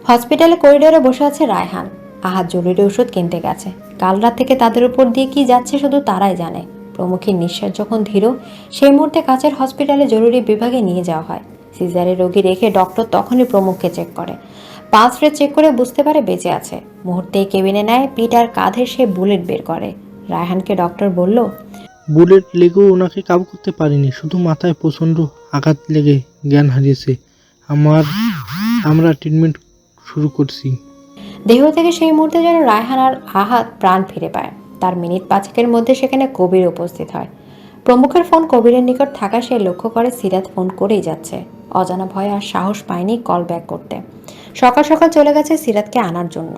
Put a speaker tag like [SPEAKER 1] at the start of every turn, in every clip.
[SPEAKER 1] হসপিটালে করিডোরে বসে আছে রায়হান। আহাদ জরুরি ওষুধ কিনতে গেছে। কাল রাত থেকে তাদের উপর দিয়ে কি যাচ্ছে শুধু তারাই জানে। প্রমুখের নিঃশ্বাস যখন ধীর, সেই মুহূর্তে কাছের হসপিটালে জরুরি বিভাগে নিয়ে যাওয়া হয়। সিজারে রোগী রেখে ডক্টর তখনই প্রমুখকে চেক করে। পালস রেট চেক করে বুঝতে পারে বেঁচে আছে। মুহূর্তেই কেবিনে নেয় পিঠ আর কাঁধে সে বুলেট বের করে। রায়হানকে ডক্টর বলল,
[SPEAKER 2] বুলেট লেগেও ওনাকে কাবু করতে পারিনি, শুধু মাথায় প্রচণ্ড আঘাত লেগে জ্ঞান হারিয়েছে। আমরা ট্রিটমেন্ট শুরু করছি।
[SPEAKER 1] দেহ থেকে সেই মুহূর্তে যেন রায়হান আর আহাদ প্রাণ ফিরে পায়। তার মিনিট পাঁচেকের মধ্যে সেখানে কবির উপস্থিত হয়। প্রমুখের ফোন কবিরের নিকট থাকা সে লক্ষ্য করে সিরাত ফোন করেই যাচ্ছে। অজানা ভয় আর সাহস পায়নি কল ব্যাক করতে। সকাল সকাল চলে গেছে সিরাতকে আনার জন্য।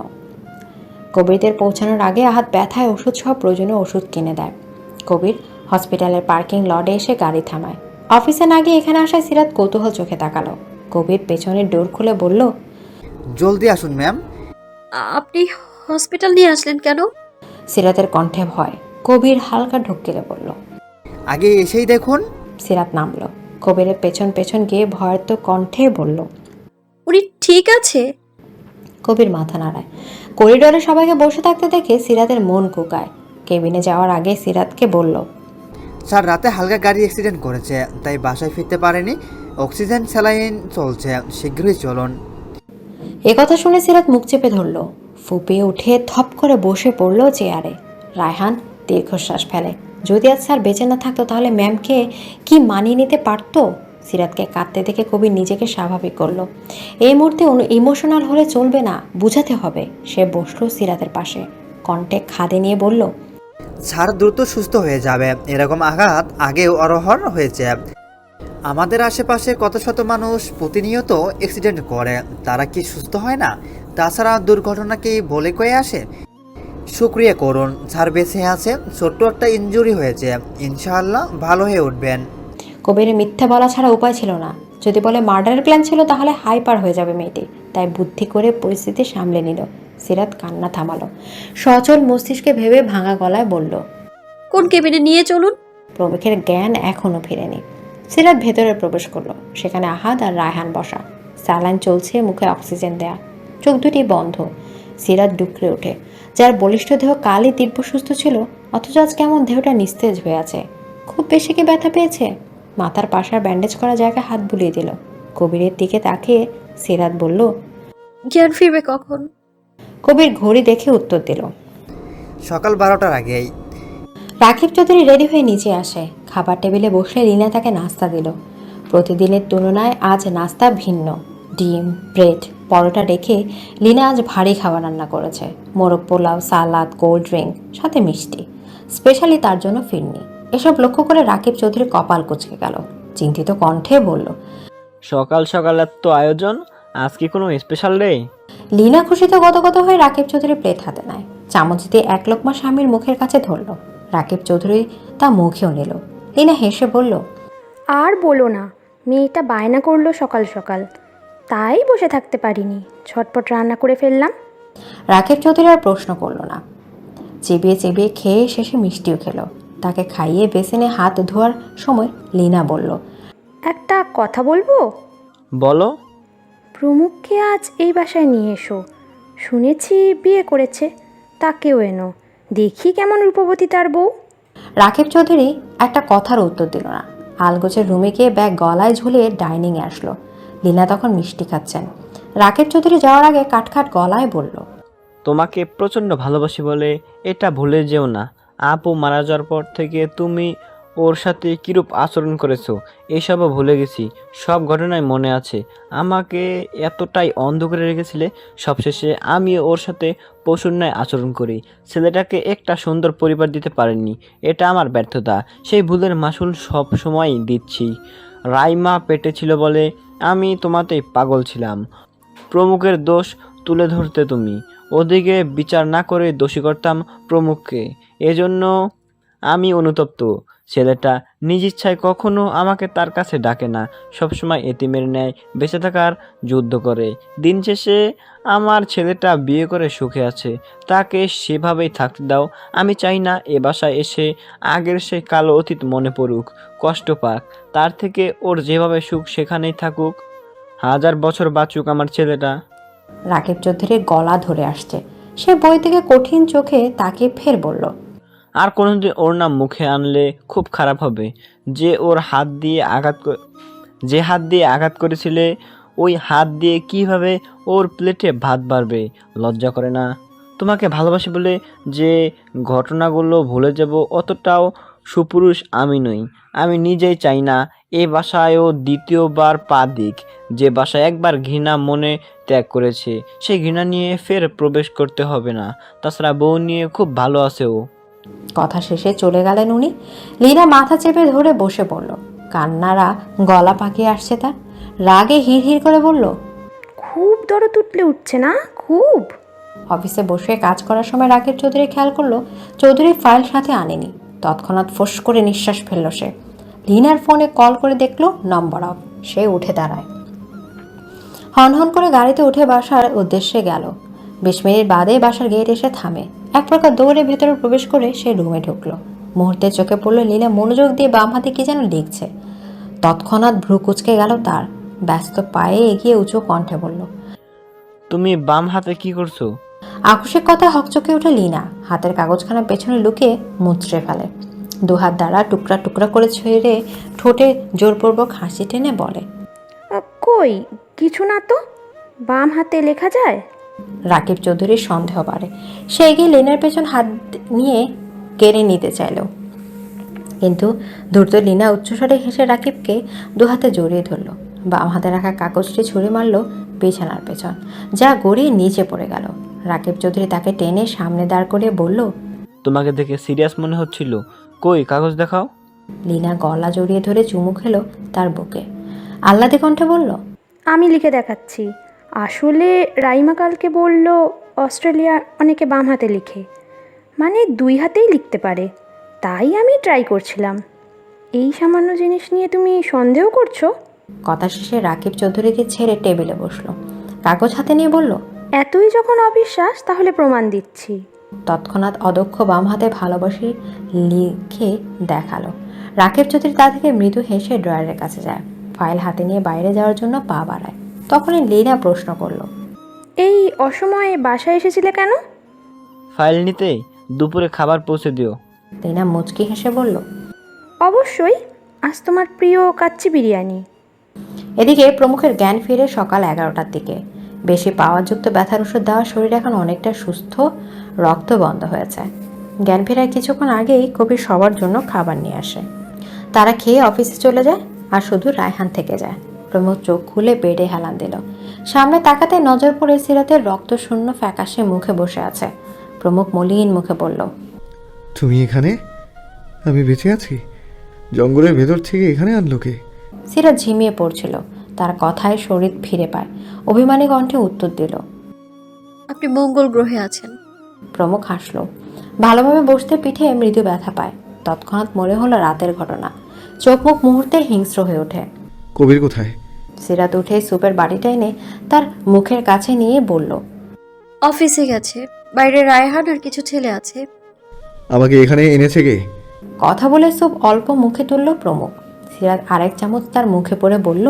[SPEAKER 1] কবিরদের পৌঁছানোর আগে আহাদ ব্যথায় ওষুধ সহ প্রয়োজনীয় ওষুধ কিনে দেয়। কবির হসপিটালের পার্কিং লটে এসে গাড়ি থামায়। অফিসে না গিয়ে এখানে আসায় সিরাত কৌতূহল চোখে তাকালো। কবির পেছনের ডোর খুলে বলল,
[SPEAKER 3] জলদি আসুন ম্যাম।
[SPEAKER 4] আপনি হসপিটাল নিয়ে আসলেন কেন?
[SPEAKER 1] সিরাতের কণ্ঠে ভয়। কবির হালকা ঢুকিয়ে বলল,
[SPEAKER 3] আগে এসেই দেখুন।
[SPEAKER 1] সিরাত নামলো। কবিরের পেছন পেছন গিয়ে ভয়ার্ত কণ্ঠে বলল,
[SPEAKER 4] উনি ঠিক আছে?
[SPEAKER 1] কবির মাথা নাড়ায়। করিডোরে সবাইকে বসে থাকতে দেখে সিরাতের মন কুকায়। কেবিনে যাওয়ার আগে সিরাতকে বলল,
[SPEAKER 3] স্যার রাতে হালকা গাড়ি অ্যাক্সিডেন্ট করেছে, তাই বাসায় ফিরতে পারেনি। অক্সিজেন স্যালাইন চলছে, শীঘ্রই চলুন।
[SPEAKER 1] কথা শুনে সিরাত মুখ চেপে ধরল। ফুপিয়ে উঠে থপ করে বসে পড়ল চেয়ারে। রায়হান দীর্ঘশ্বাস ফেলে। যদি আজ স্যার বেঁচে না থাকতো তাহলে ম্যামকে কি মানিয়ে নিতে পারতো? সিরাতকে কাঁদতে দেখে কবির নিজেকে স্বাভাবিক করলো। এই মুহূর্তে ইমোশনাল হলে চলবে না, বুঝাতে হবে। সে বসলো সিরাতের পাশে, কণ্ঠে খাদে নিয়ে বলল,
[SPEAKER 3] স্যার দ্রুত সুস্থ হয়ে যাবে। এরকম আঘাত আগেও অরহর হয়েছে। আমাদের আশেপাশে কত শত মানুষ প্রতিনিয়ত অ্যাক্সিডেন্ট করে, তারা কি সুস্থ হয় না? তাছাড়া দুর্ঘটনা কি বলে কয়ে আসে? শুক্রিয়া করুন, স্যার বেঁচে আছে। ছোট্ট একটা ইনজুরি হয়েছে, ইনশাআল্লাহ ভালো হয়ে উঠবেন।
[SPEAKER 1] কবিরের মিথ্যা বলা ছাড়া উপায় ছিল না। যদি বলে মার্ডারের প্ল্যান ছিল তাহলে হাইপার হয়ে যাবে মেয়েটি। তাই বুদ্ধি করে পরিস্থিতি সামলে নিল। সিরাত কান্না থামালো। সচল মস্তিষ্কে ভেবে ভাঙা গলায় বলল,
[SPEAKER 4] কোন কেবিনে নিয়ে চলুন?
[SPEAKER 1] প্রমুখের জ্ঞান এখনো ফিরেনি। সিরাত ভেতরে প্রবেশ করলো। সেখানে আহাদ আর রায়হান বসা। স্যালাইন চলছে, মুখে অক্সিজেন দেয়া। চোখ দুটি বন্ধ। সিরাত ডুকরে ওঠে। যার বলিষ্ঠ দেহ কালই তীব্র সুস্থ ছিল, অথচ আজ কেমন দেহটা নিস্তেজ হয়ে আছে। খুব বেশি কি ব্যথা পেয়েছে? মাথার পাশার ব্যান্ডেজ করা জায়গায় হাত বুলিয়ে দিল। কবিরের দিকে তাকিয়ে সিরাত বলল,
[SPEAKER 4] জ্ঞান ফিরবে কখন?
[SPEAKER 1] কবির ঘড়ি দেখে উত্তর দিল,
[SPEAKER 3] সকাল 12টার আগেই।
[SPEAKER 1] রাকিব চৌধুরী রেডি হয়ে নিচে আসে। খাবার টেবিলে বসলে লীনা তাকে নাস্তা দিল। প্রতিদিনের তুলনায় আজ নাস্তা ভিন্ন। ডিম, ব্রেড, পরোটা রেখে লীনা আজ ভারী খাবার রান্না করেছে। মোরগ পোলাও, সালাদ, কোল্ড ড্রিঙ্ক, সাথে মিষ্টি। স্পেশালি তার জন্য ফিরনি। এসব লক্ষ্য করে রাকিব চৌধুরী কপাল কুঁচকে গেল। চিন্তিত কণ্ঠে বলল,
[SPEAKER 5] সকাল সকাল এত আয়োজন, আজ কি কোনো স্পেশাল ডে?
[SPEAKER 1] লীনা খুশিতে গদগদ হয়ে রাকিব চৌধুরী প্লেট হাতে নেয়। চামচ দিয়ে এক লোকমা স্বামীর মুখের কাছে ধরল। রাকিব চৌধুরী তা মুখেও নিল। লীনা হেসে বলল,
[SPEAKER 6] আর বলো না, মেয়েটা বায়না করলো সকাল সকাল, তাই বসে থাকতে পারিনি, ঝটপট রান্না করে ফেললাম।
[SPEAKER 1] রাকিব চৌধুরী আর প্রশ্ন করল না। চেবিয়ে চেবিয়ে খেয়ে শেষে মিষ্টিও খেলো। তাকে খাইয়ে বেসিনে হাত ধোয়ার সময় লীনা বলল,
[SPEAKER 6] একটা কথা বলবো?
[SPEAKER 5] বলো।
[SPEAKER 6] প্রমুখকে আজ এই বাসায় নিয়ে এসো। শুনেছি বিয়ে করেছে, তাকেও এনো, দেখি কেমন রূপবতী তার বউ।
[SPEAKER 1] রাকিব চৌধুরী একটা কথার উত্তর দিল না। আলগোছের রুমে গিয়ে ব্যাগ গলায় ঝুলিয়ে ডাইনিংয়ে আসলো। লীনা তখন মিষ্টি খাচ্ছেন। রাকিব চৌধুরী যাওয়ার আগে কাটখাট গলায় বলল,
[SPEAKER 5] তোমাকে প্রচণ্ড ভালোবাসি বলে এটা ভুলে যেও না। আপু মারা যাওয়ার পর থেকে তুমি ওর সাথে কীরূপ আচরণ করেছো এসবও ভুলে গেছি। সব ঘটনায় মনে আছে। আমাকে এতটাই অন্ধ করে রেখেছিলে, সবশেষে আমি ওর সাথে পশুর ন্যায় আচরণ করি। ছেলেটাকে একটা সুন্দর পরিবার দিতে পারিনি, এটা আমার ব্যর্থতা। সেই ভুলের মাসুল সব সময়ই দিচ্ছি। রাইমা পেটে ছিল বলে আমি তোমাতেই পাগল ছিলাম। প্রমুখের দোষ তুলে ধরতে তুমি, ওদিকে বিচার না করে দোষী করতাম প্রমুখকে। এজন্য আমি অনুতপ্ত। ছেলেটা নিজ ইচ্ছায় কখনো আমাকে তার কাছে ডাকে না, সবসময় এতিমের ন্যায় বেঁচে থাকার যুদ্ধ করে। দিন শেষে আমার ছেলেটা বিয়ে করে সুখে আছে, তাকে সেভাবেই থাকতে দাও। আমি চাই না এ বাসায় এসে আগের সেই কালো অতীত মনে পড়ুক, কষ্ট পাক। তার থেকে ওর যেভাবে সুখ সেখানেই থাকুক। 1000 বছর বাঁচুক আমার ছেলেটা।
[SPEAKER 1] রাকিব চৌধুরীর গলা ধরে আসছে। সে বই থেকে কঠিন চোখে তাকিয়ে ফের বলল,
[SPEAKER 5] আর কোনোদিন ওর নাম মুখে আনলে খুব খারাপ হবে। যে ওর হাত দিয়ে যে হাত দিয়ে আঘাত করেছিলে ওই হাত দিয়ে কিভাবে ওর প্লেটে ভাত বাড়বে? লজ্জা করে না? তোমাকে ভালোবাসি বলে যে ঘটনাগুলো ভুলে যাব অতটাও সুপুরুষ আমি নই। আমি নিজেই চাই না এ বাসায়ও দ্বিতীয়বার পা দিক। যে বাসায় একবার ঘৃণা মনে ত্যাগ করেছে সেই ঘৃণা নিয়ে ফের প্রবেশ করতে হবে না। তাছাড়া বউ নিয়ে খুব ভালো আছে ও।
[SPEAKER 1] কথা শেষে চলে গেলেন উনি। লীনা মাথা চেপে ধরে বসে পড়ল। কান্নারা গলা পাকিয়ে আসছে তার। রাগে হিড় করে বলল,
[SPEAKER 6] খুব দরদ উঠছে না? খুব।
[SPEAKER 1] অফিসে বসে কাজ করার সময় রাকিব চৌধুরী খেয়াল করলো চৌধুরী ফাইল সাথে আনেনি। তৎক্ষণাৎ ফোঁস করে নিঃশ্বাস ফেলল সে। লিনার ফোনে কল করে দেখলো নম্বর অফ। সে উঠে দাঁড়ায়, হনহন করে গাড়িতে উঠে বাসার উদ্দেশ্যে গেল। 20 মিনিট বাদে বাসার গেট এসে থামে। এক প্রকার দৌড়ে ভেতরে প্রবেশ করে সে রুমে ঢুকলো। মুহূর্তে চোখে পড়লো লীলা মনোযোগ দিয়ে বাম হাতে কি যেন লিখছে। তৎক্ষণাৎ ভ্রু কুঁচকে গেল তার। ব্যস্ত পায়ে এগিয়ে উঁচু কণ্ঠে বলল,
[SPEAKER 5] তুমি বাম হাতে কি করছো?
[SPEAKER 1] আকস্মিক কথা হকচকে উঠে লীনা হাতের কাগজখানা পেছনে লুকিয়ে মুচড়ে ফেলে। দুহাত দ্বারা টুকরা টুকরা করে ছেড়ে ঠোঁটে জোরপূর্বক হাসি টেনে বলে,
[SPEAKER 6] কই কিছু না তো, বাম হাতে লেখা যায়?
[SPEAKER 1] রাকিব চৌধুরীর সন্দেহ বাড়ে। সে এগিয়ে লীনার পেছন হাত নিয়ে কেড়ে নিতে চাইল, কিন্তু দ্রুত লীনা উচ্চস্বরে হেসে রাকিবকে দুহাতে জড়িয়ে ধরল। বাম হাতে রাখা কাগজটি ছুঁড়ে মারল বিছানার পেছন, যা গড়িয়ে নিচে পড়ে গেল। রাকিব চৌধুরী তাকে টেনে সামনে দাঁড় করিয়ে বলল,
[SPEAKER 5] তোমাকে দেখে সিরিয়াস মনে হচ্ছিল, কই কাগজ দেখাও।
[SPEAKER 1] লীনা গলা জড়িয়ে ধরে চুমু খেলো তার বুকে। আহ্লাদে কণ্ঠে বলল,
[SPEAKER 6] আমি লিখে দেখাচ্ছি। আসলে রাইমা কালকে বলল অস্ট্রেলিয়ার অনেকে বাম হাতে লিখে, মানে 2 হাতেই লিখতে পারে। তাই আমি ট্রাই করছিলাম। এই সামান্য জিনিস নিয়ে তুমি সন্দেহ করছো?
[SPEAKER 1] কথা শেষে রাকিব চৌধুরীকে ছেড়ে টেবিলে বসলো। কাগজ হাতে নিয়ে বলল,
[SPEAKER 6] এতই যখন অবিশ্বাস তাহলে প্রমাণ দিচ্ছি।
[SPEAKER 1] তৎক্ষণাৎ অদক্ষ বাম হাতে ভালোবাসি লিখে দেখালো। রাকিব চৌধুরী তা থেকে মৃদু হেসে ড্রয়ারের কাছে যায়। ফাইল হাতে নিয়ে বাইরে যাওয়ার জন্য পা বাড়ায়। তখনই লীনা প্রশ্ন করলো,
[SPEAKER 6] এই অসময়ে বাসায় এসেছিলে কেন?
[SPEAKER 5] ফাইল নিতে, দুপুরে খাবার পৌঁছে দিও।
[SPEAKER 1] লীনা মুচকি হেসে বলল,
[SPEAKER 6] অবশ্যই, আজ তোমার প্রিয় কাচ্চি বিরিয়ানি।
[SPEAKER 1] এদিকে প্রমুখের জ্ঞান ফিরে সকাল 11টার দিকে। বেশি পাওয়ারযুক্ত ব্যথার ওষুধ দেওয়া শরীর এখন অনেকটা সুস্থ, রক্ত বন্ধ হয়েছে। জ্ঞান ফেরার কিছুক্ষণ আগেই কবির সবার জন্য খাবার নিয়ে আসে। তারা খেয়ে অফিসে চলে যায়, আর শুধু রায়হান থেকে যায়। প্রমুখ চোখ খুলে বেডে হেলান দিল। সামনে তাকাতে নজর পড়ে সিরাতের রক্তশূন্য ফ্যাকাশে মুখে বসে আছে। প্রমুখ মলিন মুখে বলল,
[SPEAKER 7] তুমি এখানে? আমি বেঁচে আছি? জঙ্গলের ভেতর থেকে এখানে আনলো কে?
[SPEAKER 1] সিরাত ঝিমিয়ে পড়ছিল। তার কথায় শরীর ফিরে পায়। অভিমানী কণ্ঠে উত্তর দিল,
[SPEAKER 4] আপনি মঙ্গল গ্রহে আছেন।
[SPEAKER 1] প্রমুখ হাসল। ভালোভাবে বসতে পিঠে মৃদু ব্যথা পায়। তৎক্ষণাৎ মনে হলো রাতের ঘটনা। চোখ মুখ মুহূর্তে হিংস্র হয়ে ওঠে।
[SPEAKER 7] কবির কোথায়?
[SPEAKER 1] সিরাত উঠে সুপের বাড়িটা এনে তার মুখের কাছে নিয়ে বলল,
[SPEAKER 4] অফিসে গেছে। বাইরে রায়হান আর কিছু ছেলে আছে।
[SPEAKER 7] আমাকে এখানে এনেছে কে?
[SPEAKER 1] কথা বলে সুপ অল্প মুখে তুলল প্রমুখ। সিরাত আরেক চামচ তার মুখে পড়ে বলল,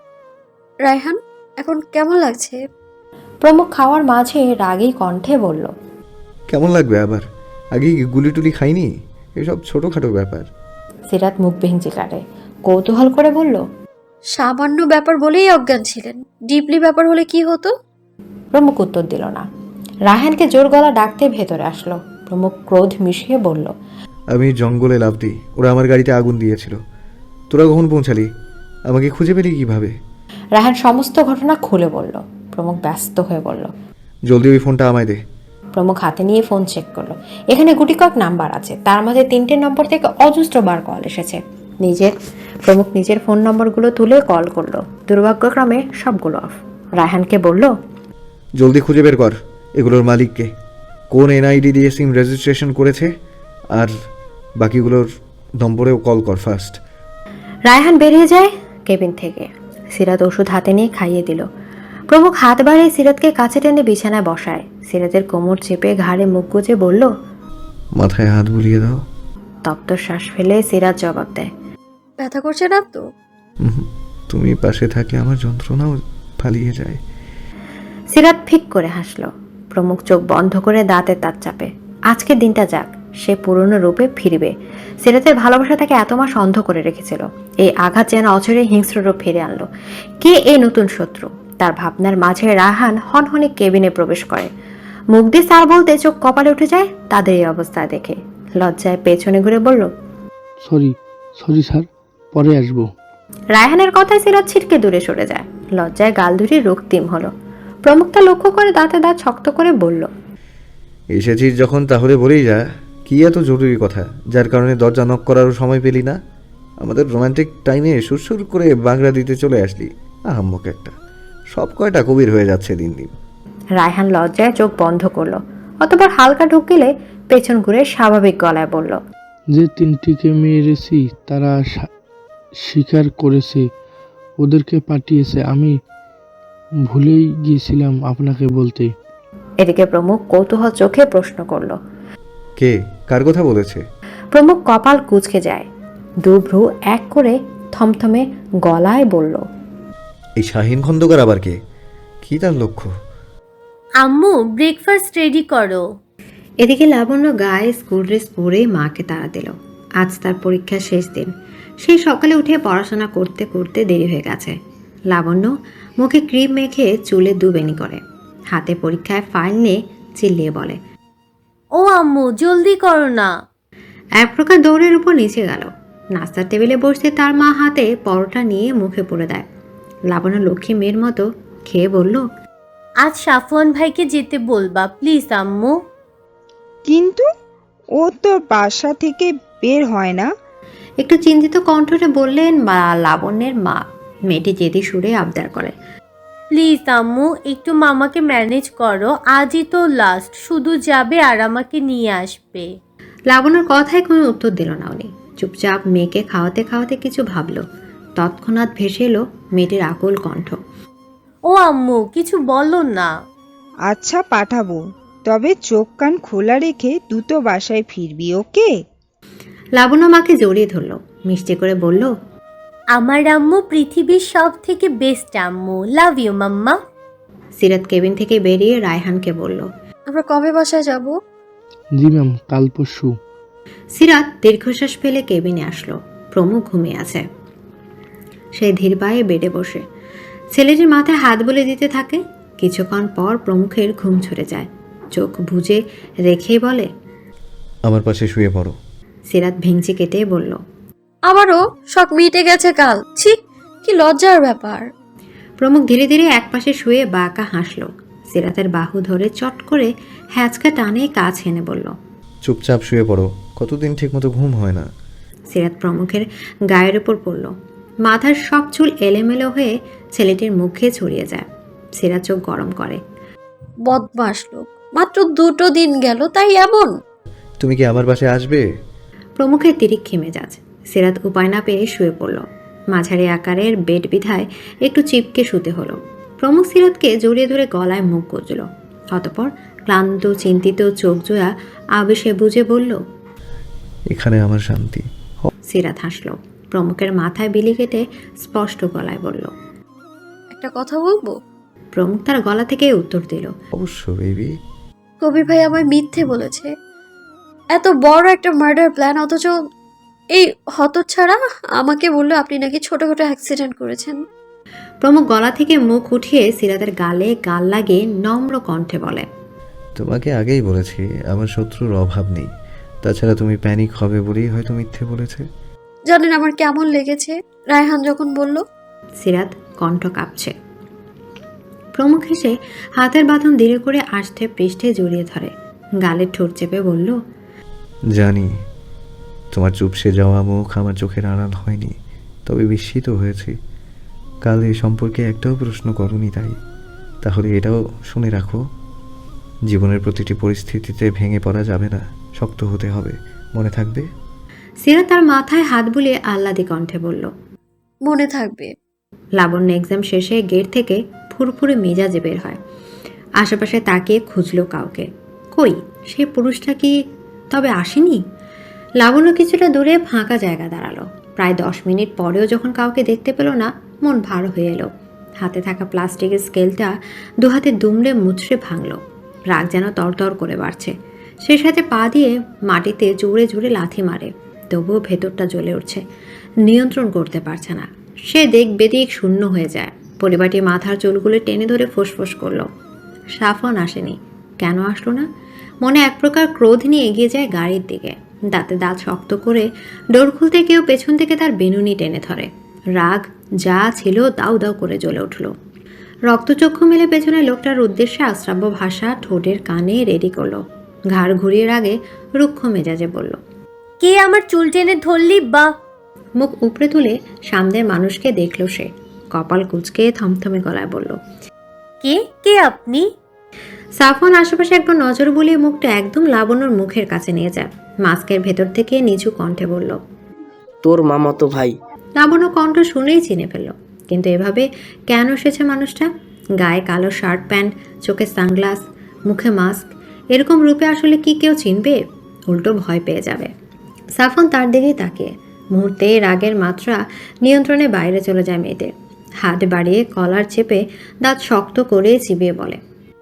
[SPEAKER 4] রায়হান এখন কেমন লাগছে?
[SPEAKER 1] প্রমুখ খাওয়ার মাঝে রাগী কণ্ঠে বলল,
[SPEAKER 7] কেমন লাগবে আবার? আগে কি গুলি টুলি খাইনি? এসব ছোটোখাটো ব্যাপার।
[SPEAKER 1] সিরাত মুখ ভেঙচি কাটে। কৌতূহল করে বলল,
[SPEAKER 4] সামান্য ব্যাপার বলেই অজ্ঞান ছিলেন, ডিপলি ব্যাপার হলে কি হতো?
[SPEAKER 1] প্রমুখ উত্তর দিল না। রায়হানকে জোর গলা ডাকতে ভেতরে আসলো। প্রমুখ ক্রোধ মিশিয়ে বলল,
[SPEAKER 7] আমি জঙ্গলে লাফ দিই, ওরা আমার গাড়িতে আগুন দিয়েছিল। তোরা কখন পৌঁছালি? আমাকে খুঁজে পেলি কিভাবে?
[SPEAKER 1] রায়হান সমস্ত ঘটনা খুলে বলল। প্রমুখ ব্যস্ত হয়ে বলল,
[SPEAKER 7] জলদি ওই ফোনটা আমায় দে।
[SPEAKER 1] প্রমুখ হাতে নিয়ে ফোন চেক করলো। এখানে গুটিকয়েক নাম্বার আছে, তার মধ্যে 3টে নম্বর থেকে অজস্রবার কল এসেছে। প্রমুখ নিজের ফোন নম্বরগুলো তুলে কল করলো। দুর্ভাগ্যক্রমে সবগুলো অফ। রায়হানকে বলল,
[SPEAKER 7] জলদি খুঁজে বের কর এগুলোর মালিককে, কোন এনআইডি দিয়ে সিম রেজিস্ট্রেশন করেছে, আর বাকিগুলোর নম্বরেও কল কর ফার্স্ট।
[SPEAKER 1] রায়হান বেরিয়ে যায় কেবিন থেকে। সিরাত ওষুধ হাতে নিয়ে খাইয়ে দিল। প্রমুখ হাত বাড়িয়ে সিরাতকে কাছে টেনে বিছানায় বসায়। সিরাতের কোমর চেপে ঘাড়ে মুখ গুজে বলল,
[SPEAKER 7] মাথায় হাত বুলিয়ে দাও।
[SPEAKER 1] তপ্ত শ্বাস ফেলে সিরাত জবাব দেয়,
[SPEAKER 4] ব্যথা করছে না তো?
[SPEAKER 7] তুমি পাশে থাকলে আমার যন্ত্রণাও পালিয়ে যায়।
[SPEAKER 1] সিরাত ফিক করে হাসল। প্রমুখ চোখ বন্ধ করে দাঁতে দাঁত চাপে। আজকের দিনটা যাক, সে পুরনো রূপে ফিরবে। সিরাতের ভালোবাসা তাকে এত মাস অন্ধ করে রেখেছিল। এই আঘাত যেন অচরে হিংস্র রূপ ফিরে আনলো। কে এই নতুন শত্রু? তার ভাবনার মাঝে রায়হান হনহনে কেবিনে প্রবেশ করে। মুখ দিয়ে স্যার বলতে চোখ কপালে উঠে যায় তাদের এই অবস্থা দেখে। লজ্জায় পেছনে ঘুরে বলল,
[SPEAKER 2] সরি স্যার, পরে আসবো।
[SPEAKER 1] রায়হানের কথায় সিরাত ছিটকে দূরে সরে যায়। লজ্জায় গাল দুটি রক্তিম হলো। প্রমুখ তা লক্ষ্য করে দাঁতে দাঁত শক্ত করে বলল,
[SPEAKER 7] এসেছিস যখন তাহলে বলেই যা, কি এত জরুরি কথা যার কারণে দরজা নক করারও সময় পেলি না? আমাদের রোমান্টিক টাইমে সুরসুর করে বাংলা দিতে চলে আসলি। আহাম্মক একটা, সব কয়টা কবির হয়ে যাচ্ছে দিন দিন।
[SPEAKER 1] রায়হান লজ্জায় চোখ বন্ধ করলো। অতঃপর হালকা ঢুকিলে পেছন ঘুরে স্বাভাবিক গলায় বলল,
[SPEAKER 2] যে তিনটিকে মেরেছি তারা স্বীকার করেছে ওদেরকে পাঠিয়েছে। আমি ভুলেই গিয়েছিলাম আপনাকে বলতে।
[SPEAKER 1] এদিকে প্রমুখ কৌতূহল চোখে প্রশ্ন করলো।
[SPEAKER 7] কে, কার কথা বলেছে?
[SPEAKER 1] প্রমুখ কপাল কুঁচকে যায়। দুভ্রু এক করে থমথমে গলায় বলল,
[SPEAKER 7] এই শাহিন খন্দকার আবার কে? কি তার লক্ষ্য?
[SPEAKER 8] আম্মু ব্রেকফাস্ট রেডি করো।
[SPEAKER 1] এদিকে লাবণ্য গায়ে স্কুল ড্রেস পরে মাকে তাড়া দিল। আজ তার পরীক্ষার শেষ দিন। সেই সকালে উঠে পড়াশোনা করতে করতে দেরি হয়ে গেছে। লাবণ্য মুখে ক্রিম মেখে চুলে দুবেনি করে, হাতে পরীক্ষায় ফাইল নিয়ে চিল্লিয়ে বলে,
[SPEAKER 8] ও আম্মু জলদি করো না।
[SPEAKER 1] এক প্রকার দৌড়ের উপর নিচে গেল। নাস্তার টেবিলে বসতে তার মা হাতে পরোটা নিয়ে মুখে পুরে দেয়। লাবণ্য লক্ষ্মী মেয়ের মতো খেয়ে বলল,
[SPEAKER 8] আজ সাফওয়ান ভাইকে যেতে বলবা প্লিজ আম্মু।
[SPEAKER 9] কিন্তু ও তো বাসা থেকে বের হয় না।
[SPEAKER 1] একটু চিন্তিত কণ্ঠে বললেন লাবণ্যের মা। মেয়েটি জেদি সুরে আবদার করে,
[SPEAKER 8] প্লিজ আম্মু একটু মামাকে ম্যানেজ করো, আজই তো লাস্ট, শুধু যাবে আর আমাকে নিয়ে আসবে।
[SPEAKER 1] লাবণ্যর কথায় কোনো উত্তর দিল না উনি। চুপচাপ মেয়েকে খাওয়াতে খাওয়াতে কিছু ভাবলো। তৎক্ষণাৎ ভেসে এলো মেয়েটির আকুল কণ্ঠ,
[SPEAKER 8] ও আম্মু কিছু বলো না।
[SPEAKER 9] আচ্ছা পাঠাবো, তবে চোখ কান খোলা রেখে দ্রুত বাসায় ফিরবি, ওকে?
[SPEAKER 1] লাবণ্য মাকে জড়িয়ে ধরলো, মিষ্টি করে বলল,
[SPEAKER 8] আমার আম্মু পৃথিবীর সব থেকে বেস্ট আম্মু, love you mamma.
[SPEAKER 1] Sirat cabin থেকে বেরিয়ে রায়হানকে বলল,
[SPEAKER 4] আমরা কবে বাসায় যাব?
[SPEAKER 2] জি ম্যাম, কাল পরশু।
[SPEAKER 1] সিরাত দীর্ঘশ্বাস ফেলে কেবিনে আসলো। প্রমুখ ঘুমিয়ে আছে। সে ধীর পায়ে বেডে বসে ছেলেটির মাথায় হাত বলে দিতে থাকে। কিছুক্ষণ পর প্রমুখের ঘুম ছুটে যায়। চোখ বুজে রেখেই বলে,
[SPEAKER 7] আমার পাশে শুয়ে পড়ো।
[SPEAKER 1] সিরাত ভেঙচি কেটে বলল,
[SPEAKER 4] আবারও শখ মিটে গেছে কাল। ছি, কি লজ্জার ব্যাপার।
[SPEAKER 1] প্রমুখ ধীরে ধীরে একপাশে শুয়ে বাঁকা হাসল। সিরাতের বাহু ধরে চট করে হ্যাঁচকা টানে কাছে এনে বলল,
[SPEAKER 7] চুপচাপ শুয়ে পড়ো, কতদিন ঠিকমতো ঘুম হয় না।
[SPEAKER 1] সিরাত প্রমুখের গায়ের উপর পড়ল। মাথার সব চুল এলোমেলো হয়ে ছেলেটির মুখে ছড়িয়ে যায়। সিরাত চোখ গরম করে,
[SPEAKER 4] বদমাস লোক, মাত্র 2 দিন গেল তাই এমন।
[SPEAKER 7] তুমি কি আমার বাসায় আসবে?
[SPEAKER 1] প্রমুখের তিরিক্ষি মেজাজ। সিরাত উপায় না পেয়ে শুয়ে পড়ল। মাঝারি আকারের বেড বিধায় একটু চিপকে শুতে হলো। প্রমুখ সিরাতকে জড়িয়ে ধরে গলায় মুখ গুজল। অতঃপর ক্লান্ত চিন্তিত চোখ জোয়া আবেশে বুঝে বলল,
[SPEAKER 7] এখানে আমার শান্তি।
[SPEAKER 1] সিরাত হাসল। প্রমুখের মাথায় বিলি কেটে স্পষ্ট গলায় বলল,
[SPEAKER 4] একটা কথা বলবো?
[SPEAKER 1] প্রমুখ তার গলা থেকে উত্তর দিল,
[SPEAKER 7] অবশ্য বেবি।
[SPEAKER 4] কবির ভাই আমায় মিথ্যে বলেছে। এত বড় একটা মার্ডার প্ল্যান, অথচ এই হতচ্ছাড়া আমাকে বললো আপনি নাকি ছোটখাটো অ্যাক্সিডেন্ট করেছেন।
[SPEAKER 1] প্রমুখ গলা থেকে মুখ উঠিয়ে সিরাতের গালে গাল লাগিয়ে নম্র কণ্ঠে বলে,
[SPEAKER 7] তোমাকে আগেই বলেছি আমার শত্রুর অভাব নেই। তাছাড়া তুমি প্যানিক হবে বলেই হয়তো মিথ্যে বলেছে।
[SPEAKER 4] জানেন আমার কেমন লেগেছে রায়হান যখন বলল?
[SPEAKER 1] সিরাত কণ্ঠ কাঁপছে। প্রমুখ হেসে হাতের বাঁধন ধীরে করে আষ্টে পৃষ্ঠে জড়িয়ে ধরে, গালে ঠোঁট চেপে বলল,
[SPEAKER 7] জানি তোমার চুপসে যাওয়া মুখ আমার চোখের আড়াল হয়নি, তবে বিস্মিত হয়েছি। কাল এ সম্পর্কে একটাও প্রশ্ন করনি, তাহলে এটাও শুনে রাখো, জীবনের প্রতিটি পরিস্থিতিতে ভেঙে পড়া যাবে না, শক্ত হতে হবে, মনে থাকবে।
[SPEAKER 1] সিরাত তার মাথায় হাত বুলিয়ে আহ্লাদি কণ্ঠে বলল,
[SPEAKER 4] মনে থাকবে।
[SPEAKER 1] লাবণ্য এক্সাম শেষে গেট থেকে ফুরফুরে মেজাজে বের হয়। আশেপাশে তাকিয়ে খুঁজলো কাউকে। কই সে পুরুষটা কি তবে আসেনি? লাবণ্য কিছুটা দূরে ফাঁকা জায়গা দাঁড়ালো। প্রায় 10 মিনিট পরেও যখন কাউকে দেখতে পেল না, মন ভার হয়ে এলো। হাতে থাকা প্লাস্টিকের স্কেলটা দু হাতে দুমড়ে মুচড়ে ভাঙল। রাগ যেন তরতর করে বাড়ছে। সে সাথে পা দিয়ে মাটিতে জোরে জোরে লাথি মারে, তবুও ভেতরটা জ্বলে উঠছে, নিয়ন্ত্রণ করতে পারছে না। সে বেদিক শূন্য হয়ে যায়। পরিবারটি মাথার চুলগুলো টেনে ধরে ফোঁসফোঁস করলো। সাফন আসেনি। কেন আসলো না? মনে এক প্রকার ক্রোধ নিয়ে এগিয়ে যায় গাড়ির দিকে। দাঁতে দাঁত শক্ত করে ডোর খুলতে কেউ পেছন থেকে তার বেনুনি টেনে ধরে। রাগ যা ছিল দাউ দাউ করে জ্বলে উঠল। রক্তচক্ষু মেলে পেছনে লোকটার উদ্দেশ্যে আশ্রাব্য ভাষা ঠোঁটের কানে রেডি করলো। ঘাড় ঘুরিয়ে আগে রুক্ষ মেজাজে বলল,
[SPEAKER 8] কে আমার চুল টেনে ধরলি বা?
[SPEAKER 1] মুখ উপড়ে তুলে সামনের মানুষকে দেখল সে। কপাল কুঁচকে থমথমে গলায় বলল,
[SPEAKER 8] কে কে আপনি?
[SPEAKER 1] সাফন আশেপাশে একবার নজর বুলিয়ে মুখটা একদম লাবণ্যর মুখের কাছে নিয়ে যায়। মাস্কের ভেতর থেকে নিচু কণ্ঠে বলল,
[SPEAKER 10] তোর মামাতো ভাই।
[SPEAKER 1] লাবণ্য কণ্ঠ শুনেই চিনে ফেলল। কিন্তু এভাবে কেন এসেছে মানুষটা? গায়ে কালো শার্ট প্যান্ট, চোখে সানগ্লাস, মুখে মাস্ক, এরকম রূপে আসলে কি কেউ চিনবে? উল্টো ভয় পেয়ে যাবে। সাফন তার দিকেই তাকিয়ে। মুহূর্তে রাগের মাত্রা নিয়ন্ত্রণের বাইরে চলে যায় মেয়েদের। হাত বাড়িয়ে কলার চেপে দাঁত শক্ত করে চিবিয়ে বলে,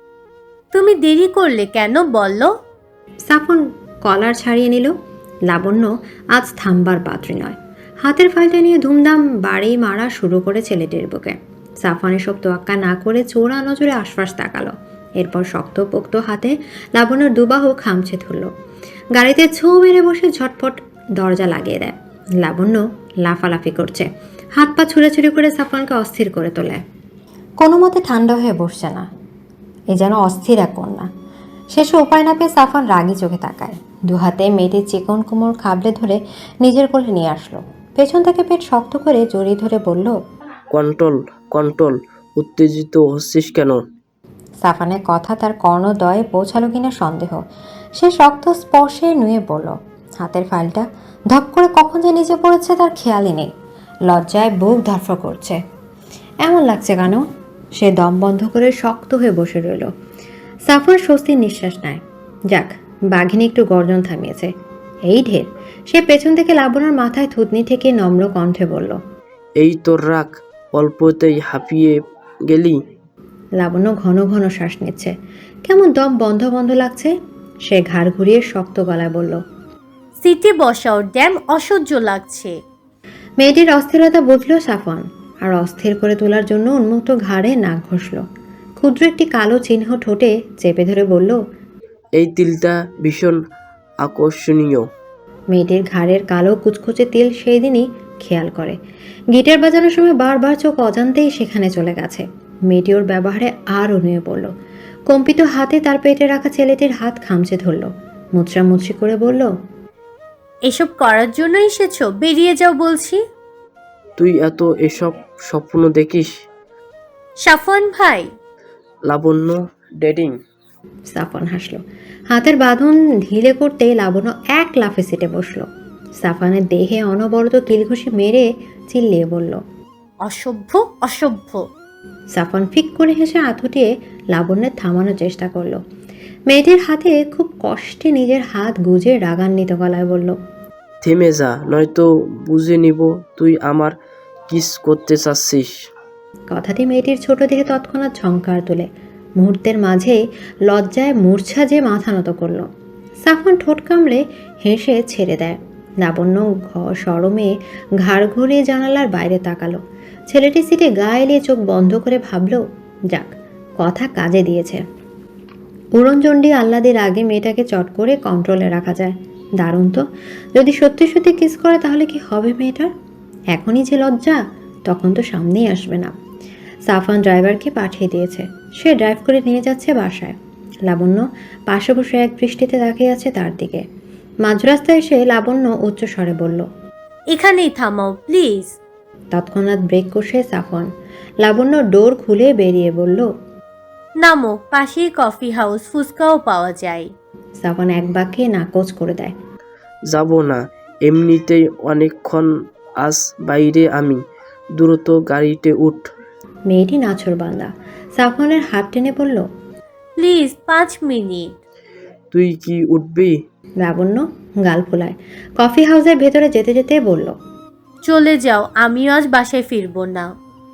[SPEAKER 8] তুমি দেরি করলে কেন বললো?
[SPEAKER 1] সাফন কলার ছাড়িয়ে নিল। লাবণ্য আজ থামবার পাত্রী নয়। হাতের ফাইলটা নিয়ে ধুমধাম বাড়ি মারা শুরু করে ছেলেটির বুকে। সাফন এসব তোয়াক্কা না করে চোরা নজরে আশপাশ তাকালো। এরপর শক্তপোক্ত হাতে লাবণ্যর দুবাহু খামছে ধরল। গাড়িতে ছোঁ মেরে বসে ঝটপট দরজা লাগিয়ে দেয়। লাবণ্য লাফালাফি করছে, হাত পা ছুড়ে করে সাফনকে অস্থির করে তোলে। কোনো মতে ঠান্ডা হয়ে বসছে না। এ যেন অস্থির এক কন্যা। শেষে উপায় না পেয়ে সাফন রাগি চোখে তাকায়। দু হাতে মেয়েটির চিকন কোমর খাবলে ধরে নিজের কোলে নিয়ে আসলো। পেছন থেকে পেট শক্ত করে জড়িয়ে ধরে বলল,
[SPEAKER 10] কন্ট্রোল কন্ট্রোল, উত্তেজিত হচ্ছিস কেন?
[SPEAKER 1] সাফানের কথা তার কর্ণদয়ে পৌঁছালো কিনা সন্দেহ। সে শক্ত স্পর্শে নুয়ে পড়ল। হাতের ফাইলটা ধপ করে কখন যে নিচে পড়েছে তার খেয়ালই নেই। লজ্জায় বুক ধরফর করছে। এমন লাগছে কেন? সে দম বন্ধ করে শক্ত হয়ে বসে রইল। সাফর স্বস্তির নিঃশ্বাস নেয়। যাক, বাঘিনী একটু গর্জন থামিয়েছে। এই ঢের। সে পেছন থেকে লাবণ্যর মাথায় থুতনি থেকে নম্র কণ্ঠে বলল,
[SPEAKER 10] এই তোর রাগ, অল্পতেই হাঁপিয়ে গেলি?
[SPEAKER 1] লাবণ্য ঘন ঘন শ্বাস নিচ্ছে। কেমন দম বন্ধ বন্ধ লাগছে। সে ঘাড় ঘুরিয়ে শক্ত গলায় বলল,
[SPEAKER 8] সিটে বসাও ড্যাম, অসহ্য লাগছে।
[SPEAKER 1] মেয়েটির অস্থিরতা বুঝল সাফন, আর অস্থির করে তোলার জন্য উন্মুক্ত ঘাড়ে নাক ঘষল। ক্ষুদ্র একটি কালো চিহ্ন ঠোঁটে চেপে ধরে বলল,
[SPEAKER 10] এই তিলটা ভীষণ আকর্ষণীয়।
[SPEAKER 1] মেয়েটির ঘাড়ের কালো কুচকুচে তিল সেই দিনই খেয়াল করে। গিটার বাজানোর সময় বারবার চোখ অজান্তেই সেখানে চলে গেছে। মেয়েটি ওর ব্যবহারে আরও নুয়ে পড়ল। কম্পিত হাতে তার পেটে রাখা ছেলেটির হাত খামচে ধরল। মুচড়ামুচড়ি করে বলল,
[SPEAKER 8] এসব করার জন্য এসেছো? বেরিয়ে যাও বলছি।
[SPEAKER 10] তুই এত এসব স্বপ্ন দেখিস?
[SPEAKER 8] সাফন ভাই।
[SPEAKER 10] লাবণ্য ডেটিং।
[SPEAKER 1] সাফন হাসল। হাতের বাঁধন ঢিলে করতে লাবণ্য এক লাফে সিটে বসলো। সাফানের দেহে অনবরত কিলঘুষি মেরে চিল্লিয়ে বলল,
[SPEAKER 8] অসভ্য অসভ্য।
[SPEAKER 1] সাফন ফিক করে হেসে আঁতুটিয়ে লাবণ্যের থামানোর চেষ্টা করলো। মেয়েটির হাতে খুব কষ্টে নিজের হাত গুজে রাগান্বিত গলায় বলল,
[SPEAKER 10] থেমে যা, নয়তো বুঝে নিব তুই আমার কিস করতে চাচ্ছিস।
[SPEAKER 1] কথাটি মেয়েটির ছোট দিকে তৎক্ষণাৎ ঝংকার তোলে। মুহূর্তের মাঝে লজ্জায় মূর্ছা যে মাথা নত করল। সাফন ঠোঁট কামড়ে হেসে ছেড়ে দেয়। লাবণ্য সরমে ঘাড় ঘুরিয়ে জানালার বাইরে তাকালো। ছেলেটি সিটে গা এলিয়ে চোখ বন্ধ করে ভাবল, যাক, কথা কাজে দিয়েছে। উড়নচণ্ডী আহ্লাদের আগে মেয়েটাকে চট করে কন্ট্রোলে রাখা যায়। দারুণ তো। যদি সত্যি সত্যি কিস করে তাহলে কি হবে মেয়েটার? এখনই যে লজ্জা, তখন তো সামনেই আসবে না। সাফান ড্রাইভারকে পাঠিয়ে দিয়েছে। সে ড্রাইভ করে নিয়ে যাচ্ছে বাসায়। লাবণ্য পাশে বসে এক দৃষ্টিতে তাকিয়ে আছে তার দিকে। মাঝরাস্তায় এসে লাবণ্য উচ্চ স্বরে বলল,
[SPEAKER 8] এখানেই থামাও প্লিজ।
[SPEAKER 1] তৎক্ষণাৎ ব্রেক কষে সাফন। লাবণ্য ডোর খুলে বেরিয়ে বলল,
[SPEAKER 8] নামো, পাশেই কফি হাউস, ফুচকাও পাওয়া যায়।
[SPEAKER 1] সাফন এক বাক্যে নাকচ করে দেয়।
[SPEAKER 10] যাব না, এমনিতেই অনেকক্ষণ আজ বাইরে আমি। দ্রুত গাড়িতে উঠ।
[SPEAKER 1] মেয়েটি নাছোড়বান্দা। সাফনের হাত টেনে বলল,
[SPEAKER 8] প্লিজ 5 মিনিট।
[SPEAKER 10] তুই কি উঠবি?
[SPEAKER 1] লাবণ্য গাল ফোলায়। কফি হাউসের ভেতরে যেতে যেতে বলল,
[SPEAKER 8] চলে যাও, আমিও আজ বাসায় ফিরবো না।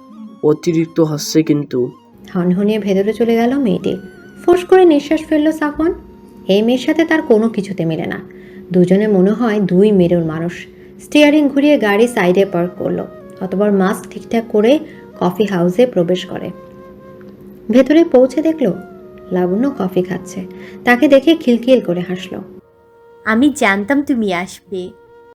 [SPEAKER 10] অতিরিক্ত হচ্ছে কিন্তু।
[SPEAKER 1] হনহনিয়ে ভেতরে চলে গেল মেয়েটি। ফোঁস করে নিঃশ্বাস ফেলল সাফন। এই মেয়ের সাথে তার কোনো কিছুতে মেলে না। দুজনে মনে হয় দুই মেরুর মানুষ। স্টিয়ারিং ঘুরিয়ে গাড়ি সাইডে পার্ক করলো, অতঃপর মাস্ক ঠিকঠাক করে কফি হাউসে প্রবেশ করে। ভেতরে পৌঁছে দেখলো লাবণ্য কফি খাচ্ছে। তাকে দেখে খিলখিল করে হাসলো।
[SPEAKER 8] আমি জানতাম তুমি আসবে।